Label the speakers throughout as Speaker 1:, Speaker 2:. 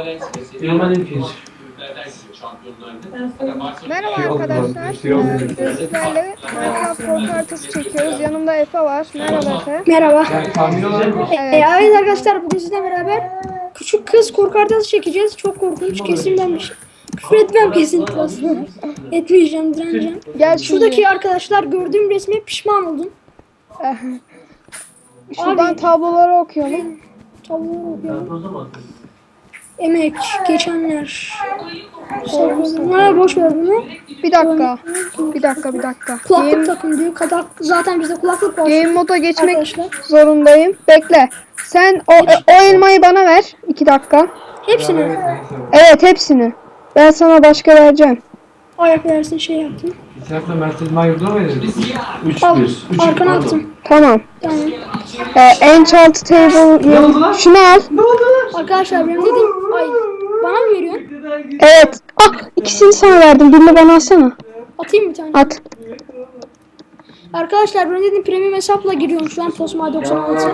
Speaker 1: Merhaba arkadaşlar. Sizlerle Minecraft korku haritası çekiyoruz. Yanımda Efe var. Merhaba Efe.
Speaker 2: Merhaba.
Speaker 1: Evet.
Speaker 2: Arkadaşlar bugün sizle beraber küçük kız korku haritası çekeceğiz. Çok korkunç. Kesin ben bir şey. Küfür etmem kesinlikle aslında. Etmeyeceğim, direneceğim.
Speaker 1: Gel
Speaker 2: Şuradaki arkadaşlar gördüğüm resme pişman oldum.
Speaker 1: Şuradan
Speaker 2: Abi.
Speaker 1: tabloları okuyalım.
Speaker 2: Tavuğu okuyorum. Emek, geçenler. Boş ver bunu.
Speaker 1: Bir dakika. Bir dakika.
Speaker 2: Kulaklık takın diyor. Zaten bizde kulaklık var.
Speaker 1: Game moda geçmek
Speaker 2: Arkadaşlar.
Speaker 1: zorundayım. Bekle. Sen o elmayı bana ver. 2 dakika.
Speaker 2: Hepsini
Speaker 1: Evet, hepsini. Ben sana başka vereceğim.
Speaker 2: ayak versin şey yaptım.
Speaker 3: Sen de Mert'in yurdu mu yedin? 3
Speaker 2: Al,
Speaker 3: 1.
Speaker 2: arkana attım.
Speaker 1: Tamam.
Speaker 2: Yani.
Speaker 1: Enchant table. Şunu al.
Speaker 2: Arkadaşlar benim dedim, ay bana mı veriyorsun?
Speaker 1: Evet. Ah, ikisini sana verdim. Birini bana alsana.
Speaker 2: Atayım bir tane.
Speaker 1: At.
Speaker 2: Arkadaşlar benim dedim premium hesapla giriyorum şu an Tosma 96.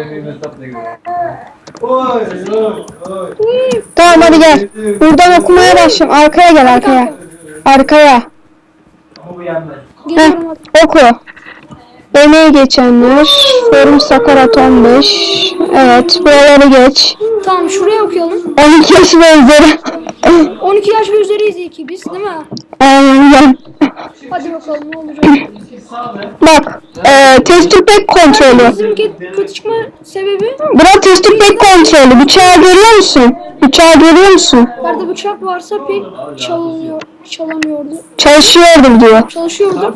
Speaker 1: Tamam, hadi gel. Buradan okumaya başlayalım. Arkaya gel, arkaya. Arkaya.
Speaker 2: Geliyorum hadi.
Speaker 1: Oku. Emeği geçenler. Forum Sakarat 15. Evet, buraları geç.
Speaker 2: Tamam şuraya okuyalım.
Speaker 1: 12 yaş ve üzeri.
Speaker 2: 12 yaş ve üzeriyiz iyi ki biz değil mi?
Speaker 1: Aynen gel.
Speaker 2: Hadi bakalım ne olacak.
Speaker 1: Bak. Testür pek kontrolü.
Speaker 2: Bizimki kötü çıkma sebebi
Speaker 1: Bura testür pek kontrolü. Bıçağı görüyor musun? Bıçağı görüyor musun?
Speaker 2: yerde bıçak varsa pek çalamıyordu.
Speaker 1: Çalışıyordum diyor.
Speaker 2: Çalışıyordu.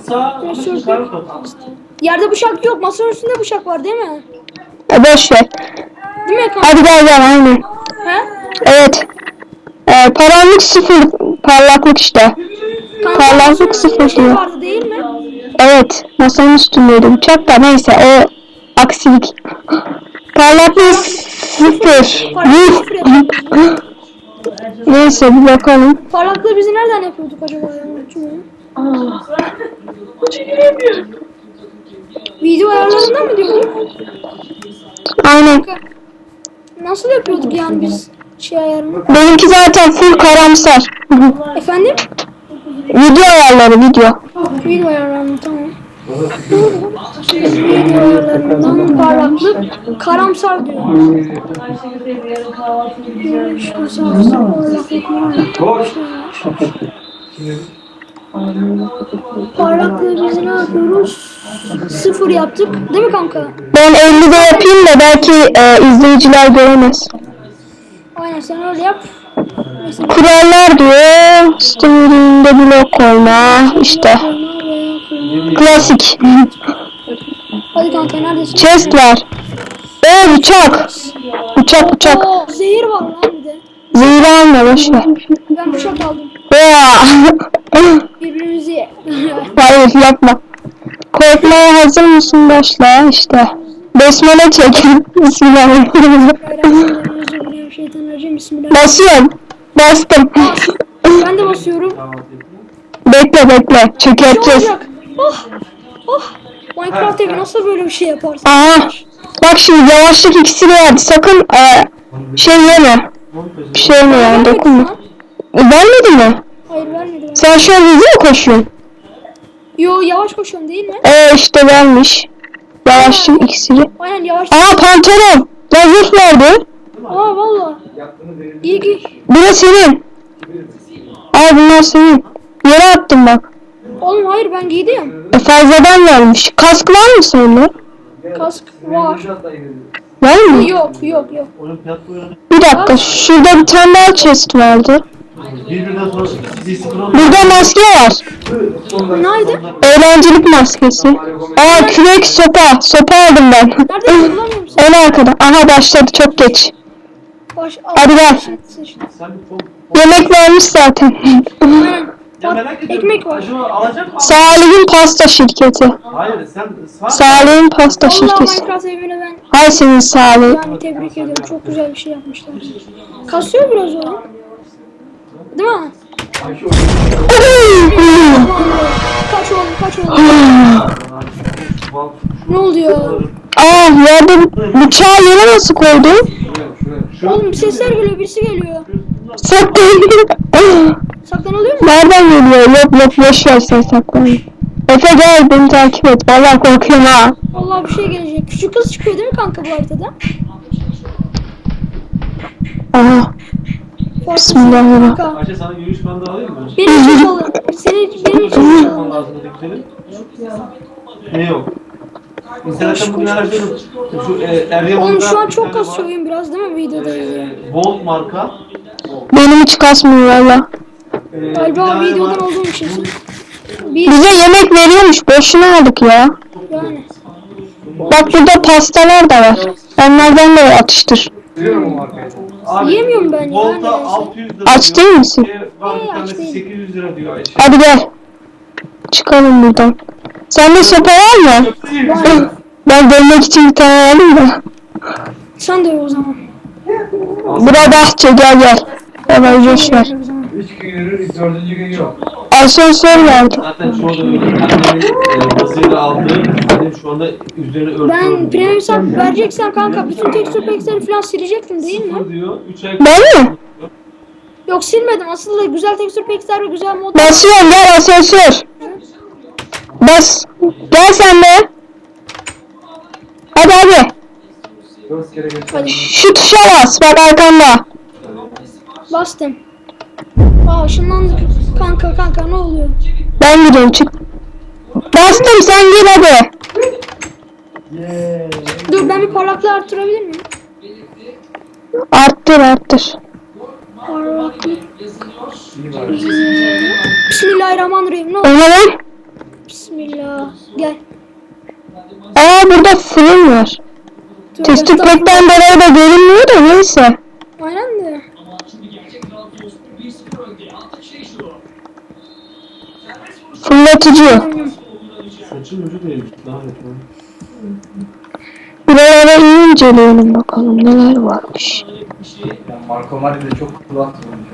Speaker 2: Yerde bıçak yok. Masanın üstünde bıçak var değil mi?
Speaker 1: Boş ver.
Speaker 2: Değil mi kanka?
Speaker 1: Hadi gel aynen.
Speaker 2: He?
Speaker 1: Evet. Parlaklık 0. Parlaklık işte.
Speaker 2: Kanka,
Speaker 1: Parlaklık
Speaker 2: masanın üstünde
Speaker 1: 0
Speaker 2: bıçak
Speaker 1: diyor.
Speaker 2: vardı değil mi?
Speaker 1: Evet. Masanın üstündeydi bıçak da neyse o aksilik. Parlaklık 0.
Speaker 2: Parlaklık 0 yapıyorduk.
Speaker 1: Neyse bir bakalım.
Speaker 2: Parlaklığı bizi nereden yapıyorduk acaba ya? Unutmuyorum. Video ayarlarından mı diyorduk?
Speaker 1: Aynen.
Speaker 2: Nasıl yapıyorduk yani biz şey ayarını?
Speaker 1: Benimki zaten full karamsar.
Speaker 2: Efendim?
Speaker 1: Video ayarları video.
Speaker 2: Video ayarlarını tamam. Video ayarlarından parlaklık karamsar diyor. Parlaklığı biz ne yapıyoruz? 0 yaptık. Değil mi kanka?
Speaker 1: Ben 50'de yapayım da belki izleyiciler göremez.
Speaker 2: Aynen sen öyle yap. Mesela
Speaker 1: Kurallar diyor. Steam'de blok koyma. İşte. Klasik.
Speaker 2: hadi kanka neredesin?
Speaker 1: Chest var. Bıçak. Bıçak.
Speaker 2: Oo, zehir var lan bir de.
Speaker 1: Zehri alma boşver.
Speaker 2: Ben bıçak aldım. Birbirimizi
Speaker 1: Hayır yapma. Korkmaya hazır mısın başla işte. Besmele çek. Bismillahirrahmanirrahim.
Speaker 2: Şeytanirracim. Bismillah.
Speaker 1: Basıyorum. Bastım.
Speaker 2: Ben de basıyorum.
Speaker 1: Bekle.
Speaker 2: Ne
Speaker 1: Çökerteceğiz.
Speaker 2: olacak? Oh. Minecraft evi nasıl böyle bir şey yaparsın?
Speaker 1: Aha. Bak şimdi yavaşlık iksiri verdi. Sakın şey yeme. Bir şey yeme yani dokunma. Vermedi mi?
Speaker 2: Hayır vermedi.
Speaker 1: Sen şu an hızlı mı koşuyorsun?
Speaker 2: Yo yavaş koşuyorum değil mi?
Speaker 1: İşte vermiş. Yavaşlık iksiri.
Speaker 2: Aynen yavaş.
Speaker 1: Aa pantolon. Ya zırh verdi.
Speaker 2: Aa valla. İyi ki.
Speaker 1: Bu da senin. Al bunlar senin. Yere attım bak.
Speaker 2: Oğlum hayır ben giydim.
Speaker 1: Fazladan vermiş. Kask var mı sende?
Speaker 2: Kask var.
Speaker 1: Var mı?
Speaker 2: Yok.
Speaker 1: Bir dakika. Şurada bir tane daha chest vardı. Burada maske var.
Speaker 2: Nerede?
Speaker 1: Eğlencelik maskesi. Aa kürek sopa. Sopa aldım ben.
Speaker 2: Nerede? Bulamıyorum seni.
Speaker 1: En arkada. Aha başladı çok geç. Hadi gel. Yemek vermiş zaten.
Speaker 2: Aynen. Ekmek var.
Speaker 1: Salih'in pasta şirketi.
Speaker 3: Hayır sen
Speaker 1: Salih'in pasta
Speaker 2: Vallahi
Speaker 1: şirketi.
Speaker 2: Minecraft evine ben
Speaker 1: Hay senin Salih.
Speaker 2: yani tebrik ediyorum. Çok güzel bir şey yapmışlar. Kasıyor biraz o. Değil mi? Kaç oğlum. Ne oluyor?
Speaker 1: Aa yerde bıçağı yere nasıl koydu?
Speaker 2: Oğlum sesler geliyor, birisi geliyor.
Speaker 1: Saklan.
Speaker 2: Saklanılıyor mu?
Speaker 1: Nereden geliyor? Yok boş ver sen saklan. Efe gel beni takip et. Vallahi korkuyorum ha.
Speaker 2: Vallahi bir şey gelecek. Küçük kız çıkıyor değil mi kanka bu haritada?
Speaker 1: Aha. Bismillahirrahmanirrahim.
Speaker 2: Kanka.
Speaker 3: Ayşe sana yürüyüş bandı alayım mı?
Speaker 2: Benim için çalın. Benim için çalın.
Speaker 3: Alman lazım dedikleri. Ne yok? İnternetten bugün araştırdım. Şu Eryaman'da
Speaker 2: Oğlum şu an
Speaker 3: bir
Speaker 2: çok
Speaker 3: tane
Speaker 2: kasıyor
Speaker 3: var.
Speaker 2: oyun biraz değil mi videoda?
Speaker 3: Volt marka.
Speaker 1: Benim hiç kasmıyor valla.
Speaker 3: Bir
Speaker 2: Galiba
Speaker 3: tane
Speaker 2: videodan
Speaker 3: var.
Speaker 2: olduğum için. Bir
Speaker 1: Bize yemek veriyormuş. Boşuna aldık ya.
Speaker 2: yani.
Speaker 1: Bak burada pastalar da var. Onlardan da atıştır.
Speaker 3: Biliyorum o markayı. Abi,
Speaker 2: Yiyemiyorum ben ya,
Speaker 3: Volt'a
Speaker 2: neyse.
Speaker 3: 600 lira
Speaker 1: Aç
Speaker 3: diyor.
Speaker 1: değil misin?
Speaker 3: Var bir
Speaker 2: Aç
Speaker 3: tanesi
Speaker 2: değilim.
Speaker 3: 800 lira diyor Ayşe.
Speaker 1: Hadi gel. Çıkalım buradan. Sende sopa var mı? Ben dönmek için bir tane aldım da.
Speaker 2: Sen de o zaman.
Speaker 1: Bura bahçe gel. Hemen boş ver.
Speaker 3: 3 gün yürür, 4. gün yok.
Speaker 1: Asansör vardı.
Speaker 3: Zaten şu anda annemin bazıyla aldığı, annem şu anda üzerine örtü
Speaker 2: Ben premium hesap vereceksen kanka bütün tekstür pack'leri falan silecektin değil mi?
Speaker 3: diyor. 3 ay
Speaker 1: Ben mi?
Speaker 2: Yok silmedim. Aslında güzel tekstür pack'ler ve güzel modlar.
Speaker 1: Basıyorum gel asansör. Bas. Gel sen de. Hadi.
Speaker 3: 4 kere geçti.
Speaker 2: Hadi
Speaker 1: Şu tuşa bas. Bak arkanda.
Speaker 2: bastım. Aa ışınlandık. Kanka ne oluyor?
Speaker 1: Ben gidiyorum çık. Bastım sen gir hadi.
Speaker 2: Dur ben bir parlaklığı arttırabilir miyim?
Speaker 1: Arttır.
Speaker 2: Parlaklık. Bismillahirrahmanirrahim. Ne
Speaker 1: O
Speaker 2: oldu?
Speaker 1: ne lan?
Speaker 2: Bismillah. Gel.
Speaker 1: Aa burada fırın var.
Speaker 2: Dur,
Speaker 1: Testik
Speaker 2: estağfurullah.
Speaker 1: pekten dolayı da görünmüyor da neyse.
Speaker 2: Aynen de.
Speaker 1: Fırlatıcı.
Speaker 3: Saçın ucu değilmiş. Daha net.
Speaker 1: Buralara iyi inceleyelim bakalım neler varmış.
Speaker 4: Ya Marco Mari'de çok kulak olmuş.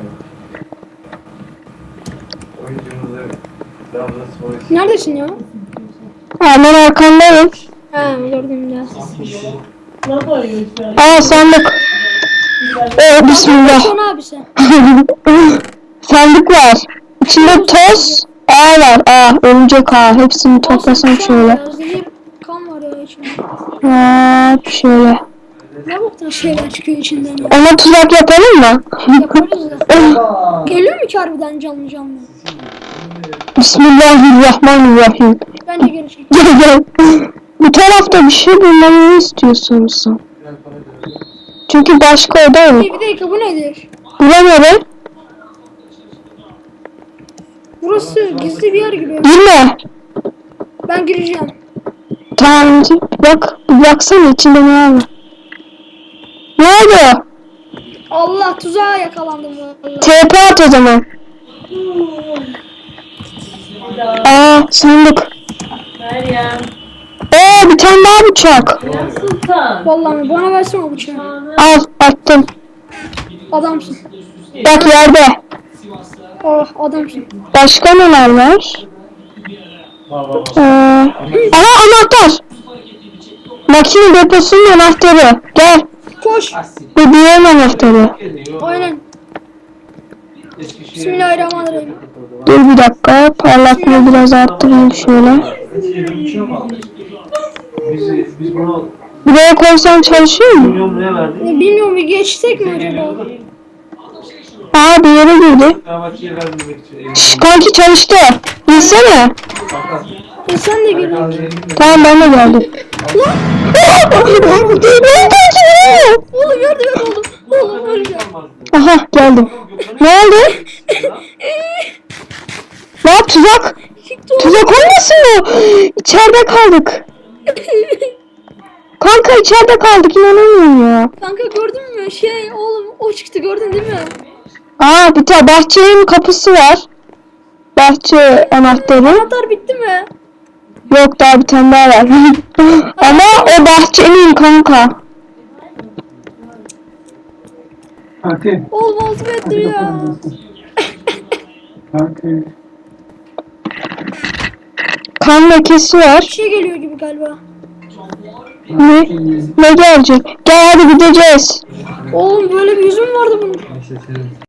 Speaker 4: Oyuncumuzu Trabzonspor
Speaker 2: Neredesin ya?
Speaker 1: Hemen arkandayım.
Speaker 2: Ha gördüm ya.
Speaker 1: Aa sandık. Oh bismillah.
Speaker 2: Son abi sen.
Speaker 1: Sandık var. İçinde toz, ağ var. Örümcek ağ. Hepsini toplasam şöyle.
Speaker 2: Zehir kan var ya içinde.
Speaker 1: Şöyle.
Speaker 2: Ne boktan şeyler çıkıyor içinden ya.
Speaker 1: Ona tuzak yapalım mı?
Speaker 2: Yaparız da. Geliyor mu ki harbiden canlı?
Speaker 1: Bismillahirrahmanirrahim.
Speaker 2: Bence gelecek.
Speaker 1: Gel. Bu tarafta bir şey bulmamı istiyorsunuz. Çünkü başka oda yok.
Speaker 2: Bir dakika bu nedir?
Speaker 1: Bura nere?
Speaker 2: Burası gizli bir yer gibi.
Speaker 1: Girme.
Speaker 2: Ben gireceğim.
Speaker 1: Tamam. Bak. Baksana içinde ne var? Ne oldu?
Speaker 2: Allah tuzağa yakalandım vallahi.
Speaker 1: TP at o zaman. Sandık. Bir tane daha bıçak.
Speaker 2: Vallahi bana versene o bıçağı.
Speaker 1: Al attım.
Speaker 2: Adamsın.
Speaker 1: Bak yerde.
Speaker 2: Oh adamsın.
Speaker 1: Başka neler var? Anahtar. Makine deposunun anahtarı. Gel.
Speaker 2: Koş.
Speaker 1: Bu diğer anahtarı.
Speaker 2: Aynen. Bismillahirrahmanirrahim.
Speaker 1: Dur bir dakika. Parlaklığı biraz arttırayım şöyle.
Speaker 3: Biz bunu
Speaker 1: Buraya koysam çalışıyor mu?
Speaker 3: milyon liraya verdik.
Speaker 2: Bilmiyorum bir geçsek mi acaba?
Speaker 1: Bir yere girdi.
Speaker 3: Fenerbahçe'ye vermemek için.
Speaker 1: Şş, kanki çalıştı. İnsene.
Speaker 2: Sen de gel.
Speaker 1: Tamam ben de geldim.
Speaker 2: Oğlum yardım et oğlum. Oğlum öleceğim.
Speaker 1: Aha geldim. Ne oldu? Ne tuzak? Tuzak olmasın mı? İçeride kaldık. Kanka içeride kaldık inanamıyorum ya.
Speaker 2: Kanka gördün mü? Oğlum o çıktı gördün değil mi?
Speaker 1: Bir tane bahçenin kapısı var. Bahçe anahtarı.
Speaker 2: Anahtar bitti mi?
Speaker 1: Yok daha bir tane daha var. Ama o bahçenin kanka.
Speaker 4: Kanki.
Speaker 2: Oğlum altı metre ya.
Speaker 4: Kanki.
Speaker 1: Kan lekesi var.
Speaker 2: Bir şey geliyor gibi galiba.
Speaker 1: Ne gelecek? Gel hadi gideceğiz.
Speaker 2: Oğlum böyle bir yüzüm vardı bunun.